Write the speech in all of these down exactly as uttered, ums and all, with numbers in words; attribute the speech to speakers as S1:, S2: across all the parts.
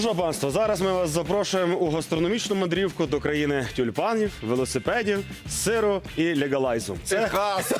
S1: Що, панство, зараз ми вас запрошуємо у гастрономічну мандрівку до країни тюльпанів, велосипедів, сиру і легалайзу. Це
S2: Техас.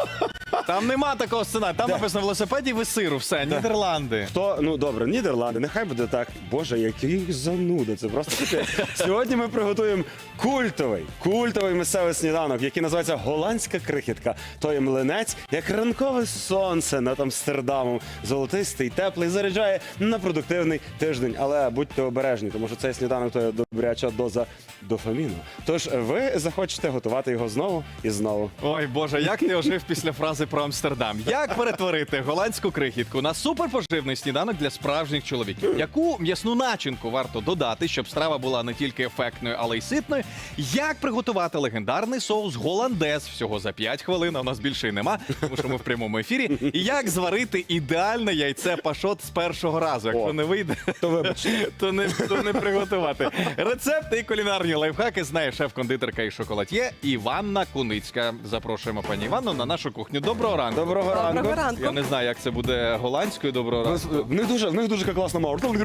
S2: Там нема такого сценарію. Там написано велосипедів і сиру. Все, Нідерланди.
S1: хто, ну добре, Нідерланди, нехай буде так. Боже, який зануда, це просто таке. Сьогодні ми приготуємо культовий, культовий місцевий сніданок, який називається голландська крихітка. Той млинець, як ранкове сонце над Амстердамом, золотистий, теплий, заряджає на продуктивний тиждень. Але будьте обережні, тому що цей сніданок то є добряча доза дофаміну. Тож ви захочете готувати його знову і знову.
S2: Ой, Боже, як ти ожив після фрази про Амстердам. Як перетворити голландську крихітку на суперпоживний сніданок для справжніх чоловіків? Яку м'ясну начинку варто додати, щоб страва була не тільки ефектною, але й ситною? Як приготувати легендарний соус голландез всього за п'ять хвилин, а у нас більше й нема, тому що ми в прямому ефірі. І як зварити ідеальне яйце пашот з першого разу? Якщо
S1: О,
S2: не вийде,
S1: то вибачте.
S2: то не, то не приготувати. Рецепти і кулінарні лайфхаки знає шеф-кондитерка і шоколад'є Іванна Куницька. Запрошуємо пані Іванну на нашу кухню. Доброго ранку.
S1: Доброго ранку.
S3: Доброго ранку.
S2: Я не знаю, як це буде голландською. Доброго ранку.
S1: В них дуже, в них дуже класна мова. Е,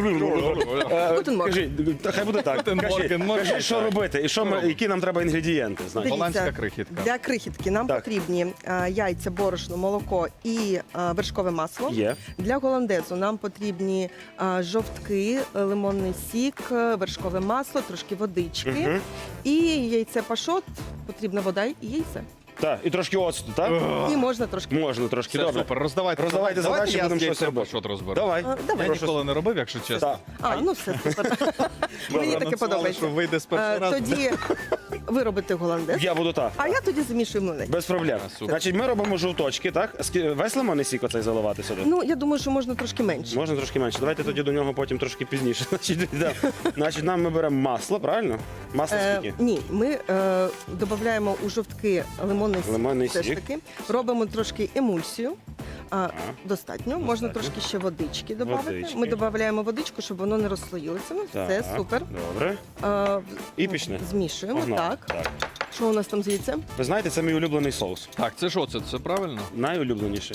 S3: Гутен морген.
S1: Кажи, та хай буде так.
S2: Гутен
S1: Кажи,
S2: морген, можна
S1: кажи,
S2: і
S1: що
S2: так.
S1: робити і що ми, які нам треба інгредієнти. Знаєш.
S3: Дивіться,
S2: Голландська крихітка.
S3: Для крихітки нам
S1: Так.
S3: потрібні е, яйця, борошно, молоко і е, вершкове масло.
S1: Є.
S3: Для голландезу нам потрібні е, жовтки, е, лимонний сік, е, вершкове масло, трошки водички.
S1: Мгм.
S3: І яйце пашот, потрібна вода і яйце.
S1: Так, і трошки оцту, так?
S3: І можна трошки.
S1: Можна трошки,
S2: Все,
S1: добре.
S2: супер, роздавайте.
S1: Роздавайте
S2: Давайте
S1: задачі,
S2: я
S1: будемо
S2: з
S1: щось
S2: яйцем
S1: робити.
S2: пашот розберу.
S1: Давай.
S3: А,
S2: Я
S3: давай.
S2: ніколи не робив, якщо чесно.
S1: Так.
S3: А, ну все, супер. Мені таке
S2: Анонсували,
S3: подобається.
S2: що вийде з першого
S3: Е,
S2: разу.
S3: Тоді ви робите голландез,
S1: Я буду так.
S3: а я тоді замішую млинець.
S1: Без проблем.
S2: А, супер.
S1: Значить, ми робимо жовточки, так? Скі- Весь лимонний сік оцей заливати сюди?
S3: Ну, я думаю, що можна трошки менше.
S1: Можна трошки менше. Давайте тоді до нього потім трошки пізніше. Значить, да. Значить, нам ми беремо масло, правильно? Масло
S3: Е,
S1: скільки?
S3: ні, ми е, додаємо у жовтки лимонний сік.
S1: Лимонний
S3: все ж
S1: сік.
S3: таки. Робимо трошки емульсію. А, достатньо. Можна
S1: достатньо.
S3: трошки ще водички додати.
S1: Водички.
S3: Ми додаємо водичку, щоб воно не розслоїлося. Ну, все,
S1: Так,
S3: супер.
S1: Добре.
S3: Е,
S1: І пішли.
S3: Змішуємо.
S1: Погнали.
S3: Так.
S1: Так.
S3: Що у нас там з яйцем?
S1: Ви знаєте, це мій улюблений соус.
S2: Так, це що це? Це правильно?
S1: Найулюбленіший.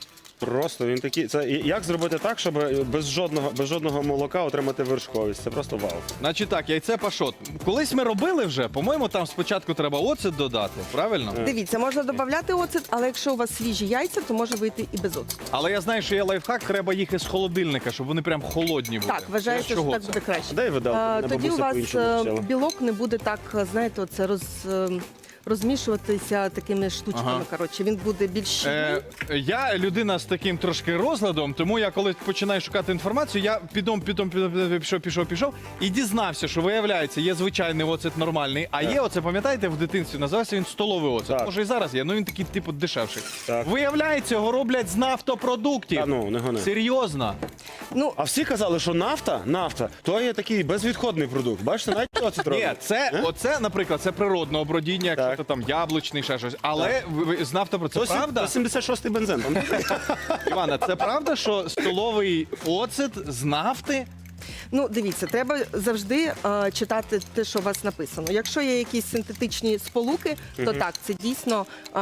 S1: Просто він такий. Це і- як зробити так, щоб без жодного без жодного молока отримати вершковість? Це просто вау.
S2: Значить так, яйце пашот. Колись ми робили вже, по-моєму, там спочатку треба оцет додати, правильно?
S1: Е.
S3: Дивіться, можна додати оцет, але якщо у вас свіжі яйця, то може вийти і без оцету.
S2: Але я знаю, що є лайфхак, треба їх із холодильника, щоб вони прям холодні були.
S3: Так, вважаєте, що
S2: Чого
S3: так
S2: це?
S3: буде краще.
S1: Дай виделку,
S3: А,
S1: мене
S3: тоді у
S1: бабуся
S3: вас
S1: по-іншому
S3: е,
S1: вчила.
S3: білок не буде так, це знаєте, оце роз, е, розмішуватися такими штучками.
S2: Ага.
S3: Коротше, він буде більш щільний.
S2: Е, я людина з таким трошки розладом, тому я коли починаю шукати інформацію, я підом, підом, підом, пішов, пішов, пішов і дізнався, що виявляється, є звичайний оцет нормальний, а є оце, пам'ятаєте, в дитинстві називався він столовий оцет.
S1: Так.
S2: Може і зараз є, ну він такий типу дешевший.
S1: Так.
S2: Виявляється, його роблять з нафтопродуктів.
S1: Та ну, не гони.
S2: Серйозно.
S3: Ну,
S1: А всі казали, що нафта, нафта, то є такий безвідходний продукт. Бачите, навіть оцет
S2: Ні,
S1: роблять.
S2: це,
S1: Е?
S2: оце, наприклад, це природне обродіння, якщо
S1: Так.
S2: то там яблучний, ще щось. Але ви, ви з нафтопродуктів.
S1: То
S2: Це
S1: сі-
S2: правда?
S1: то сімдесят шостий бензин. пам'ятаєте?
S2: Івана, це правда, що столовий оцет з нафти?
S3: ну дивіться, треба завжди е, читати те, що у вас написано. Якщо є якісь синтетичні сполуки, то так, це дійсно е,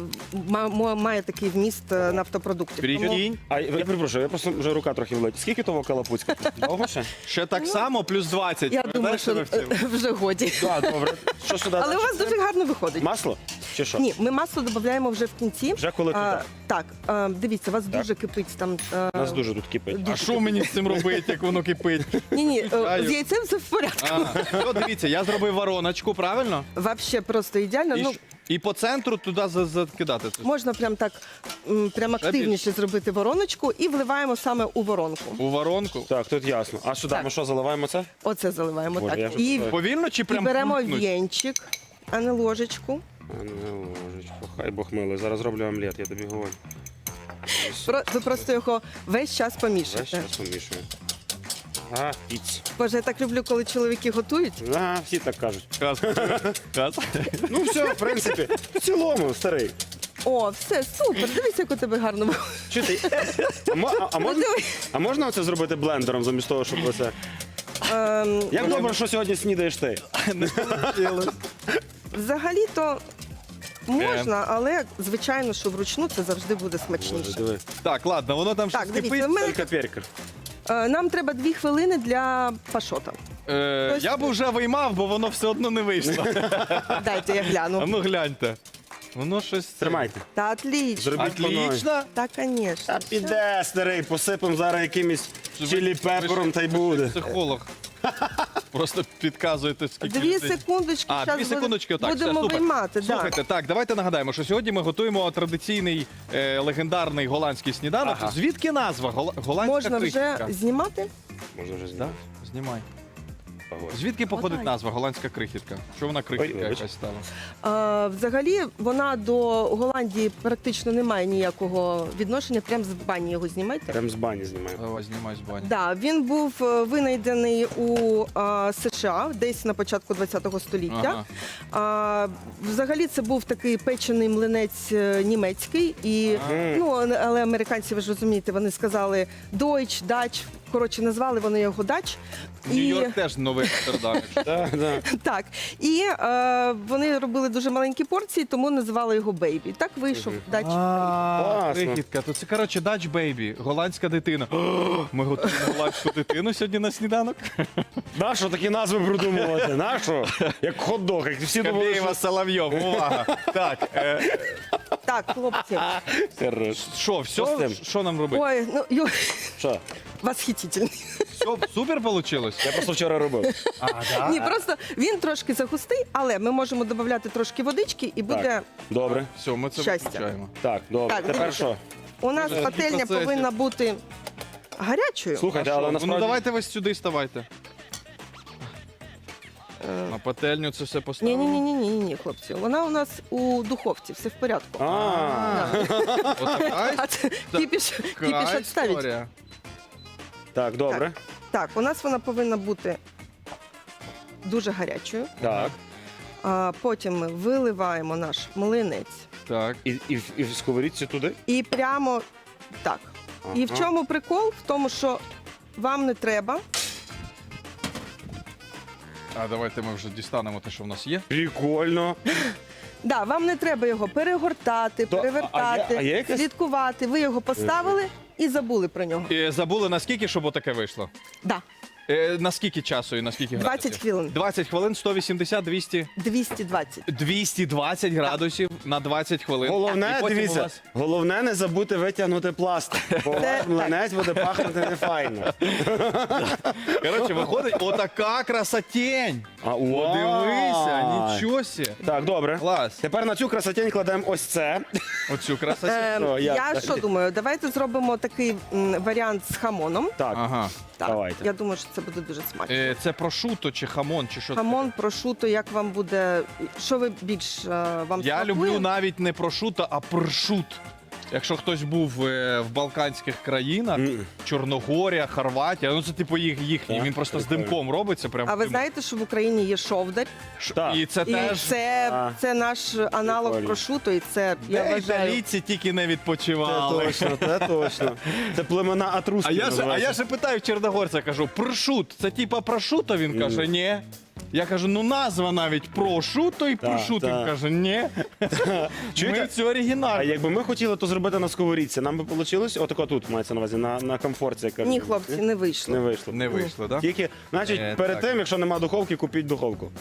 S3: ма- ма- має такий вміст е, нафтопродуктів. Тому-
S2: Прикинь.
S1: А я перепрошую, я просто вже рука трохи влетить. Скільки того калапуцька? Довго ще?
S2: Ще так само, плюс двадцять.
S3: Я думаю, що
S2: Пам'ятаєте,
S3: е, вже годі.
S1: Так, добре. Що сюди?
S3: Але у вас дуже гарно виходить.
S1: Масло? Чи що?
S3: Ні, ми масло додаємо вже в кінці.
S1: Вже коли
S3: А,
S1: туди?
S3: так, е, дивіться, у вас дуже кипить там. е,
S1: У нас дуже тут кипить.
S2: А що мені з цим робити, як воно кипить?
S3: Ні, ні,
S2: Чаю.
S3: з яйцем все в порядку.
S2: А, ну, дивіться, я зробив вороночку, правильно?
S3: Вообще просто ідеально.
S2: І,
S3: Ну,
S2: ж- і по центру туди за- закидати. це.
S3: можна прям так м, прям
S2: Ще
S3: активніше зробити вороночку і вливаємо саме у воронку.
S2: У воронку.
S1: Так, тут ясно. А сюди
S3: Так.
S1: ми що, заливаємо це?
S3: Оце заливаємо
S1: Боже, я
S3: так.
S1: вже
S3: І,
S1: питаю.
S2: Повільно чи
S3: і
S2: прям
S3: беремо
S2: крутнуть?
S3: вінчик, а не ложечку.
S1: А не ложечку. Хай Бог милий. Зараз зроблю омлет, я тобі говорю.
S3: Про- Ви просто його весь час
S1: Весь
S3: помішуєте.
S1: час помішую. А, піць.
S3: Боже, я так люблю, коли чоловіки готують.
S1: А, всі так кажуть.
S2: Каз. Каз.
S1: Ну все, в принципі, в цілому, старий.
S3: О, все, супер. Дивись, як у тебе гарно виходить.
S1: Чи ти? А, мо- а, а, можна, а можна оце зробити блендером замість того, щоб оце?
S3: Ем,
S1: Як добре, що сьогодні снідаєш ти?
S3: Взагалі-то можна, але звичайно, що вручну це завжди буде
S1: Боже,
S3: смачніше.
S1: диви.
S2: Так, ладно, воно там
S3: Так,
S2: щось
S3: дивіться,
S2: кипить.
S3: в мене
S1: Тільки перкер.
S3: Е, Нам треба дві хвилини для пашота.
S2: Е,
S3: Хтось-
S2: я б вже виймав, бо воно все одно не вийшло.
S3: Дайте я
S2: А
S3: гляну.
S2: ну гляньте. Воно щось...
S1: Тримайте.
S3: Та отлично.
S1: Зробіть по новій.
S2: Отлично.
S3: Та, звісно.
S1: Та піде, старий, посипемо зараз якимось чилі пепером та й буде.
S2: Психолог. Просто підказуєте, скільки
S3: Дві
S2: людей.
S3: секундочки,
S2: А,
S3: щас
S2: дві
S3: буде-
S2: секундочки, отак, все,
S3: будемо
S2: супер.
S3: виймати. Да.
S2: Слухайте, так, давайте нагадаємо, що сьогодні ми готуємо традиційний е, легендарний голландський сніданок.
S1: Ага.
S2: Звідки назва? Гол- Голландська
S3: Можна вже
S2: крихітка.
S3: знімати?
S1: Можна вже
S2: Так,
S1: зняти.
S2: знімай.
S1: Ого.
S2: Звідки походить
S3: Отак.
S2: назва голландська крихітка? Що вона крихітка
S1: Ой, вибач.
S2: якась стала?
S3: А, взагалі, вона до Голландії практично не має ніякого відношення. Прямо з бані його знімайте.
S1: Прям з бані знімаємо.
S2: Давай, знімай з бані.
S3: Да, він був е, винайдений у а, США десь на початку ХХ століття.
S2: Ага.
S3: А, взагалі це був такий печений млинець е, німецький. І,
S1: Ага.
S3: ну, але американці, ви ж розумієте, вони сказали Deutsch, Dutch. Коротше, назвали вони його Дач.
S2: Нью-Йорк теж новий Амстердам. якщо-
S1: Так, так.
S3: Так, і е, вони робили дуже маленькі порції, тому називали його Бейбі. Так вийшов Дач.
S2: А,
S1: Класно.
S2: крихітка. То це, коротше, Dutch Baby, голландська дитина. О, ми готуємо голландську дитину сьогодні на сніданок.
S1: Нащо такі назви придумувати? Нащо? Як хот-дог, як всі думали, що...
S2: Кабєєва, Соловйов, увага. Так, е,
S3: Так, хлопці.
S1: Хорош.
S2: що,
S1: Що з
S2: все?
S1: тим?
S2: Що нам робити?
S3: Ой, ну ю,
S1: Що?
S3: восхитительний.
S2: Все, супер вийшло?
S1: Я просто вчора робив.
S2: А, да?
S3: Ні, просто він трошки загустий, але ми можемо додати трошки водички і буде.
S1: Так, добре.
S2: Все, ми це
S3: Щастя.
S2: виключаємо.
S1: Так, добре.
S3: Так,
S1: Тепер
S3: дивіться.
S1: що?
S3: У нас
S2: Дуже
S3: пательня
S2: такі процеси.
S3: повинна бути гарячою.
S1: Слухайте,
S2: А
S1: але
S2: що?
S1: насправді...
S2: Ну давайте ви сюди ставайте. На пательню це все
S3: Ні,
S2: поставимо.
S3: ні, ні, ні, ні, ні, хлопці. Вона у нас у духовці, все в порядку.
S1: А,
S2: Отака
S3: А це кіпіш, кіпіш відставить.
S2: історія.
S1: так, добре.
S3: Так, у нас вона повинна бути дуже гарячою.
S1: Так.
S3: А потім ми виливаємо наш млинець.
S2: Так.
S1: І, і, в- і в сковорідці туди?
S3: І прямо так. І в
S1: Ага.
S3: чому прикол? В тому, що вам не треба.
S2: А давайте ми вже дістанемо те, що в нас є.
S1: Прикольно.
S3: Да, вам не треба його перегортати,
S1: То- а-
S3: перевертати,
S1: а є- а є якась-
S3: слідкувати. Ви його поставили і забули про нього.
S2: І забули, наскільки, щоб отаке вийшло?
S3: Да,
S2: Е, наскільки часу і наскільки градусів?
S3: двадцять хвилин.
S2: двадцять хвилин, сто вісімдесят, двісті.
S3: двісті двадцять.
S2: двісті двадцять градусів на двадцять хвилин. І
S1: Головне,
S2: потім у
S1: дивіться,
S2: вас-
S1: головне не забути витягнути пластик, бо ваш млинець буде пахнути нефайно.
S2: Коротше, виходить отака красотень.
S1: А,
S2: Подивися,
S1: вау.
S2: нічого сі.
S1: Так, добре.
S2: Клас.
S1: Тепер на цю красотень кладемо ось це.
S2: Оцю красотень.
S3: Е,
S1: Що, як
S3: я
S1: далі?
S3: що думаю, давайте зробимо такий м, варіант з хамоном.
S1: Так,
S2: Ага.
S3: Так,
S1: Давайте.
S3: я думаю, що це буде дуже смачно.
S2: Е, Це прошуто чи хамон, чи що це?
S3: Хамон, прошуто, як вам буде. Що ви більш е, вам
S2: Я
S3: смакує?
S2: люблю навіть не прошуто, а пршут. Якщо хтось був е, в Балканських країнах,
S1: Мгм.
S2: Чорногорія, Хорватія, ну це типу їх, їхній,
S1: Так,
S2: він просто
S1: прикольно.
S2: з димком робиться. Прям
S3: А ви
S2: дим.
S3: знаєте, що в Україні є шовдар,
S2: Ш-
S1: Так.
S2: І це
S3: і
S2: теж
S3: це,
S1: А.
S3: це наш аналог
S1: Прикольно.
S3: прошуто, і це я
S2: де
S3: вважаю.
S2: італійці тільки не
S1: Це
S2: відпочивали.
S1: точно, це точно. Це племена
S2: А
S1: Атруски
S2: я, ж, а
S1: називаються.
S2: я ж питаю в чорногорця, кажу, прошут, це типа прошуто? Він
S1: Мгм.
S2: каже, ні. Я кажу, ну назва навіть прошуто і
S1: Так,
S2: прошут. Він
S1: так.
S2: каже, ні.
S1: Чуєте?
S2: Ми це
S1: А
S2: оригінально.
S1: якби ми хотіли то зробити на сковорідці, нам би вийшло? Отако тут мається на увазі, на, на комфорті. як кажуть.
S3: Ні, хлопці, не вийшло.
S1: Не вийшло.
S2: Не вийшло, так?
S1: Тільки, значить,
S2: Е,
S1: перед
S2: так.
S1: тим, якщо нема духовки, купіть духовку.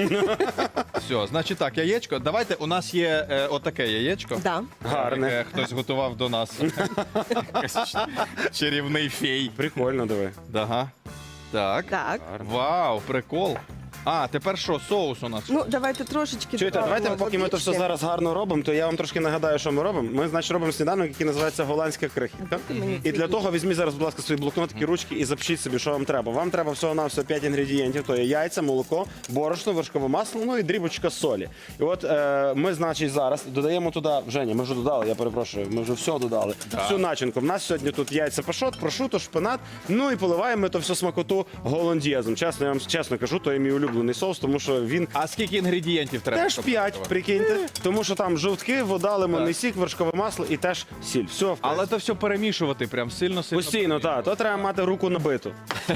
S2: Все, значить так, яєчко. Давайте, у нас є е, отаке яєчко.
S3: Да.
S1: Гарне.
S2: Яке хтось готував до нас. Якийсь чарівний фей.
S1: Прикольно, диви.
S2: Ага. Так.
S3: Так.
S2: Вау, прикол. А, тепер що, соус у нас?
S3: Ну, давайте трошечки.
S1: Чуєте,
S3: додамо
S1: давайте, поки ми то все
S3: водички.
S1: зараз гарно робимо, то я вам трошки нагадаю, що ми робимо. Ми, значить, робимо сніданок, який називається голландська крихітка.
S3: Мені
S1: І для того візьміть зараз, будь ласка, свої блокнотики, ручки і запишіть собі, що вам треба. Вам треба всього-навсього п'ять інгредієнтів, то є яйця, молоко, борошно, вершкове масло, ну і дрібочка солі. І от е, ми, значить, зараз додаємо туди, Женя, ми вже додали, я перепрошую, ми вже все додали. Всю начинку. У нас сьогодні тут яйця пашот, прошуто, шпинат, ну і поливаємо ми то все смакоту голландєзом. Чесно, я вам чесно кажу, то є мій улюблений соус, тому що він
S2: А скільки інгредієнтів треба?
S1: теж
S2: щоб
S1: п'ять,
S2: готувати?
S1: прикиньте, тому що там жовтки, вода, лимонний
S2: Так.
S1: сік, вершкове масло і теж сіль. Все, в
S2: Але
S1: принципі.
S2: то все перемішувати прям сильно-сильно.
S1: Постійно, так. То треба мати руку набиту.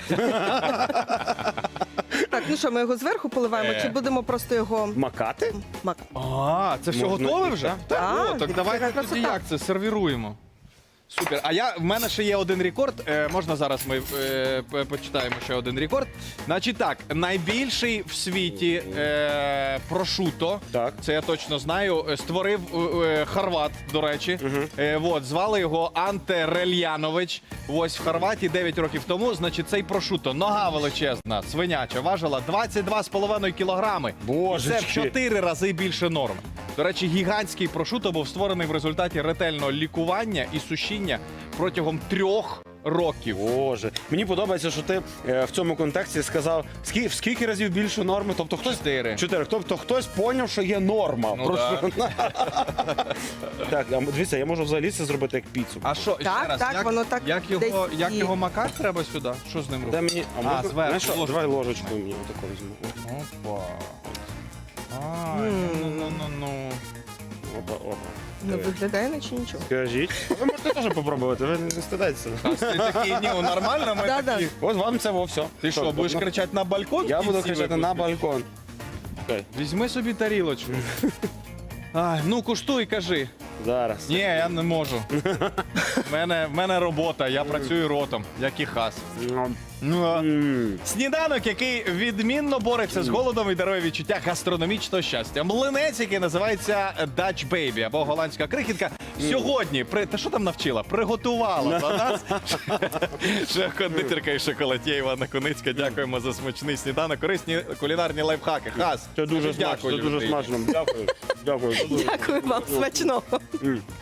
S3: Так, ну що, ми його зверху поливаємо,
S2: Е.
S3: чи будемо просто його
S1: Макати?
S3: макати?
S2: А, це все
S1: Можна
S2: готове
S1: і
S2: вже?
S1: так.
S2: О,
S3: Так,
S2: так
S3: це
S2: давайте
S3: така
S2: тоді
S3: красота.
S2: як це сервіруємо. Супер. А я в мене ще є один рекорд. Е, можна зараз ми е, п- почитаємо ще один рекорд. Значить так, найбільший в світі е, прошуто,
S1: Так.
S2: це я точно знаю, е, створив е, е, хорват, до речі. Е, от, звали його Анте Рельянович. Ось в Хорватії дев'ять років тому. Значить, цей прошуто, нога величезна, свиняча, важила двадцять два з половиною кілограми. Це в
S1: Божечки.
S2: чотири рази більше норм. До речі, гігантський прошуто був створений в результаті ретельного лікування і сушіння протягом трьох років.
S1: Боже, мені подобається, що ти е, в цьому контексті сказав, скільки, в скільки разів більше норми. Тобто хтось
S2: Чотири.
S1: Чотири. Тобто хтось поняв, що є норма.
S2: Ну,
S1: Просто- Так, а дивіться, я можу взагалі це зробити як піцу.
S2: А що, ще
S3: Так,
S2: раз,
S3: так,
S2: як,
S3: воно так
S2: як, його,
S3: десь
S2: як
S3: і-
S2: його макати треба сюди? Що з ним
S1: Дай
S2: робити?
S1: мені, а,
S2: А,
S1: можна,
S2: зверху,
S1: знаєш що,
S2: ложку.
S1: давай ложечку мені таку візьму.
S2: Опа. Ай, ну-ну-ну-ну.
S1: Опа, опа.
S3: Ну, виглядає, наче нічого.
S1: Скажіть. Ви можете теж попробувати, ви не стидайтеся.
S2: А ти такий, ні, ну, нормально, ми
S3: Да-да.
S2: такі.
S1: Ось вам це во все.
S2: Ти що, будеш кричати на балкон?
S1: Я
S2: в
S1: буду
S2: кінці
S1: кричати
S2: випуску?
S1: на балкон. Окей,
S2: Візьми собі тарілочку. Ай, ну, куштуй, кажи.
S1: зараз.
S2: Ні, я не можу. В мене, в мене робота, я працюю ротом, як і хас. Ну, а
S1: М.
S2: сніданок, який відмінно бореться з голодом і дарує відчуття гастрономічного щастя. Млинець, який називається Dutch Baby або голландська крихітка. Сьогодні, при... та що там навчила? Приготувала за нас шеф-кондитерка і шоколад'є Івана Куницька. Дякуємо за смачний сніданок. Корисні кулінарні лайфхаки. Хас.
S1: Це дуже
S2: Дякую,
S1: смачно, це дуже
S2: людині.
S1: смачно. Дякую. Дякую.
S3: Дякую вам, смачного.